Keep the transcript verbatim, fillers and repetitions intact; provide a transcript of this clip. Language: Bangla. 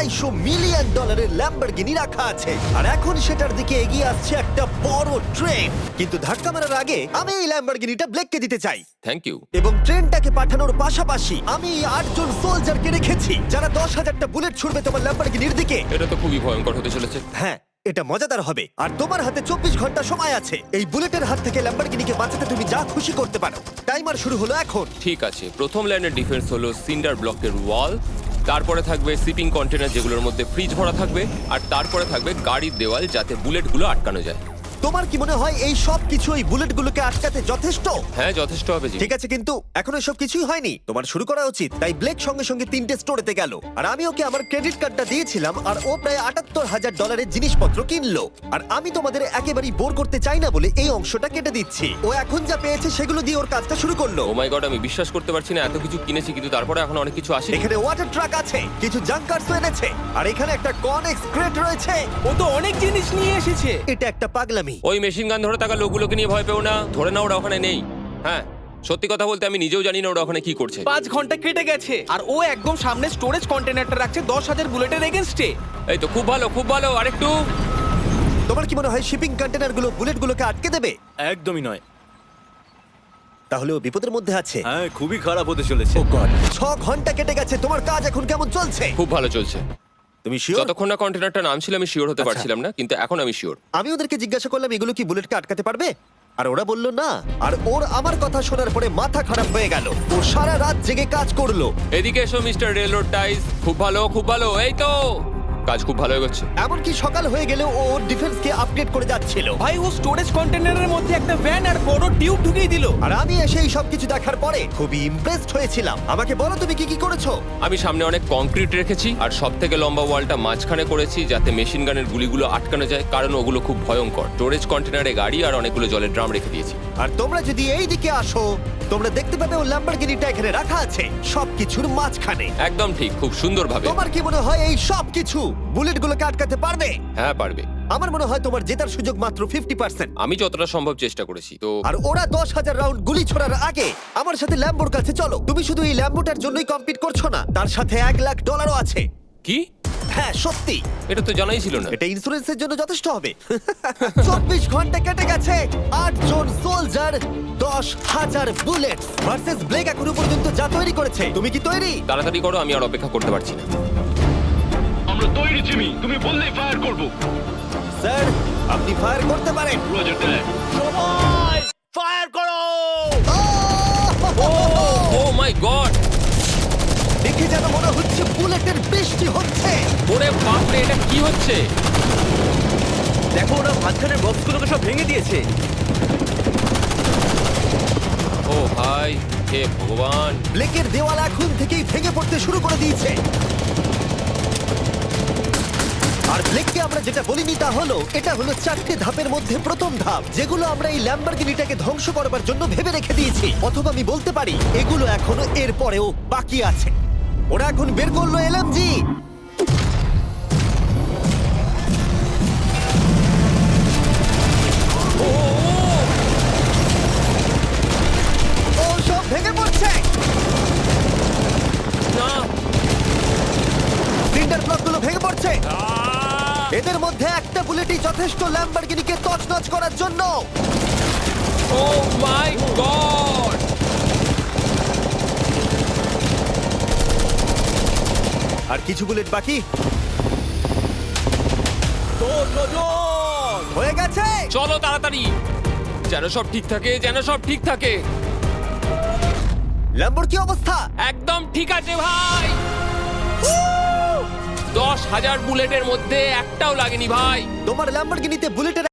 আড়াইশো মিলিয়ন ডলারের ল্যাম্বরগিনি রাখা আছে আর এখন সেটার দিকে এগিয়ে আসছে একটা বড় ট্রেন। কিন্তু ধাক্কা মারার আগে আমি এই ল্যাম্বরগিনিটা ব্লেককে দিতে চাই। Thank you. এবং ট্রেনটাকে পাঠানোর পাশাপাশি আমি এই আটজন সোলজারকে রেখেছি যারা দশ হাজারটা বুলেট ছুড়বে তোমার ল্যাম্বরগিনির দিকে। এটা তো খুবই ভয়ঙ্কর হতে চলেছে। হ্যাঁ, এটা মজাদার হবে। আর তোমার হাতে চব্বিশ ঘন্টা সময় আছে এই বুলেটের হাত থেকে ল্যাম্বরগিনিকে বাঁচাতে তুমি যা খুশি করতে পারো। টাইমার শুরু হলো এখন। ঠিক আছে, প্রথম লাইনের ডিফেন্স হলো সিন্ডার ব্লকের ওয়াল, তারপরে থাকবে শিপিং কন্টেনার যেগুলোর মধ্যে ফ্রিজ ভরা থাকবে, আর তারপরে থাকবে গাড়ির দেওয়াল যাতে বুলেটগুলো আটকানো যায়। তোমার কি মনে হয় এই সব কিছু এই বুলেটগুলোকে আটকাতে যথেষ্ট? হ্যাঁ, যথেষ্ট হবে জি। ঠিক আছে, কিন্তু এখনো সব কিছুই হয়নি। তোমার শুরু করা উচিত। তাই ব্লেক সঙ্গে সঙ্গে তিনটে স্টোরেতে গেল আর আমি ওকে আমার ক্রেডিট কার্ডটা দিয়েছিলাম আর ও প্রায় আটাত্তর হাজার ডলারের জিনিসপত্র কিনলো। আর আমি তোমাদের একেবারেই বোর করতে চাই না বলে এই অংশটা কেটে দিচ্ছি। ও এখন যা পেয়েছে সেগুলো দিয়ে ওর কাজটা শুরু করলো। ও মাই গড, আমি বিশ্বাস করতে পারছি না এত কিছু কিনেছি কিন্তু তারপরে এখন অনেক কিছু আসে। এখানে ওয়াটার ট্রাক আছে, কিছু জাঙ্কারস এনেছে আর এখানে একটা কনেক্স ক্রেট রয়েছে। ও তো অনেক জিনিস নিয়ে এসেছে। এটা একটা পাগলামি। ওই মেশিন গান ধরে থাকা লোকগুলোকে নিয়ে ভয় পেও না, ধরে না ওরা ওখানে নেই। হ্যাঁ, সত্যি কথা বলতে আমি নিজেও জানি না ওরা ওখানে কি করছে। পাঁচ ঘন্টা কেটে গেছে আর ও একদম সামনে স্টোরেজ কন্টেনারটা রাখছে দশ হাজার বুলেটের এগেনস্টে। এই তো খুব ভালো, খুব ভালো। আরেকটু। তোমার কি মনে হয় শিপিং কন্টেনারগুলো বুলেটগুলোকে আটকে দেবে? একদমই নয়। তাহলে ও বিপদের মধ্যে আছে। হ্যাঁ, খুবই খারাপ হতে চলেছে। ও গড, ছ ঘন্টা কেটে গেছে। তোমার কাজ এখন কেমন চলছে? খুব ভালো চলছে। তুমি শিওর? যতক্ষণ না কন্টেনারটা নামছিল আমি শিওর হতে আচ্ছা। পারছিলাম না, কিন্তু এখন আমি শিওর। আমি ওদেরকে জিজ্ঞাসা করলাম এগুলো কি বুলেটকে আটকাতে পারবে, আর ওরা বলল না। আর ওর আমার কথা শোনার পরে মাথা খারাপ হয়ে গেল। ও সারা রাত জেগে কাজ করলো। এদিকে এসো মিস্টার রেলরোড টাইস। খুব ভালো, খুব ভালো। এই তো কাজ খুব ভালো হয়ে গেছে। এমনকি সকাল হয়ে গেলেও ও ওর ডিফেন্সকে আপডেট করে যাচ্ছিল। ভাই ও স্টোরেজ কন্টেনারের মধ্যে একটা ভ্যান আর বড় টিউব ঢুকিয়ে দিল। আর আমি এসে এই সবকিছু দেখার পরে খুবই ইমপ্রেসড হয়েছিলাম। আমাকে বলো তুমি কি কি করেছো? আমি সামনে অনেক কংক্রিট রেখেছি আর সব থেকে লম্বা ওয়ালটা মাঝখানে করেছি যাতে মেশিন গানের গুলিগুলো আটকানো যায়, কারণ ওগুলো খুব ভয়ঙ্কর। স্টোরেজ কন্টেনারে গাড়ি আর অনেকগুলো জলের ড্রাম রেখে দিয়েছি। আর তোমরা যদি এই দিকে আসো তোমরা দেখতে পাবে ও ল্যাম্বরগিনিটা এখানে রাখা আছে সবকিছুর মাঝখানে। একদম ঠিক, খুব সুন্দরভাবে। তোমার কি মনে হয় এই সব কিছু বুলেটগুলোকে আটকাতে পারবে? হ্যাঁ, পারবে। আমার মনে হয় তোমার জেতার সুযোগ মাত্র ফিফটি পার্সেন্ট। আমি যতটা সম্ভব চেষ্টা করেছি। তো আর ওরা দশ হাজার রাউন্ড গুলি ছোড়ার আগে আমার সাথে ল্যাম্বোর কাছে চলো। তুমি শুধু এই ল্যাম্বোটার জন্যই কম্পিট করছো না, তার সাথে এক লাখ ডলারও আছে। কি? হ্যাঁ সত্যি, এটা তো জানাই ছিল না। এটা ইন্স্যুরেন্সের জন্য যথেষ্ট হবে। চব্বিশ ঘন্টা কেটে গেছে, আট জন সোলজার, দশ হাজার বুলেট ভার্সেস ব্লেক এখনো পর্যন্ত যা তৈরি করেছে। তুমি কি তৈরি? তাড়াতাড়ি করো, আমি আর অপেক্ষা করতে পারছি না। আমরা তৈরি জিমি, তুমি বললেই ফায়ার করব। স্যার আপনি ফায়ার করতে পারেন। রোজার দেখ। সবাই ফায়ার করো! ও মাই গড, দেখে যেন মনে হচ্ছে বুলেটের বৃষ্টি হচ্ছে। ওরে বাপরে, এটা কি হচ্ছে? দেখো, ওরা মাঝখানের বক্সগুলোকে সব ভেঙে দিয়েছে। ও ভাই, হে ভগবান। ব্লেকের দেওয়াল এখন থেকেই ভেঙে পড়তে শুরু করে দিয়েছে। আর ব্লেককে আমরা যেটা বলিনি তা হলো এটা হলো চারটে ধাপের মধ্যে প্রথম ধাপ, যেগুলো আমরা এই ল্যাম্বরগিনিটাকে ধ্বংস করবার জন্য ভেবে রেখে দিয়েছি। অথবা আমি বলতে পারি এগুলো এখনো এর পরেও বাকি আছে। ওরা এখন বের করলো এলএমজি। ও সব ভেঙে পড়ছে। না, সিন্ডার ব্লকগুলো ভেঙে পড়ছে। এদের মধ্যে একটা বুলেটই যথেষ্ট ল্যাম্বরগিনিকে তছনছ করার জন্য। ও মাই গড। আর কিছু বুলেট বাকি। তোর নজর! হয়ে গেছে। চলো তাড়াতাড়ি, যেন সব ঠিক থাকে, যেন সব ঠিক থাকে। ল্যাম্বোর কি অবস্থা? একদম ঠিক আছে ভাই। দশ হাজার বুলেটের মধ্যে একটাও লাগেনি ভাই। তোমার ল্যাম্বরগিনিতে বুলেটের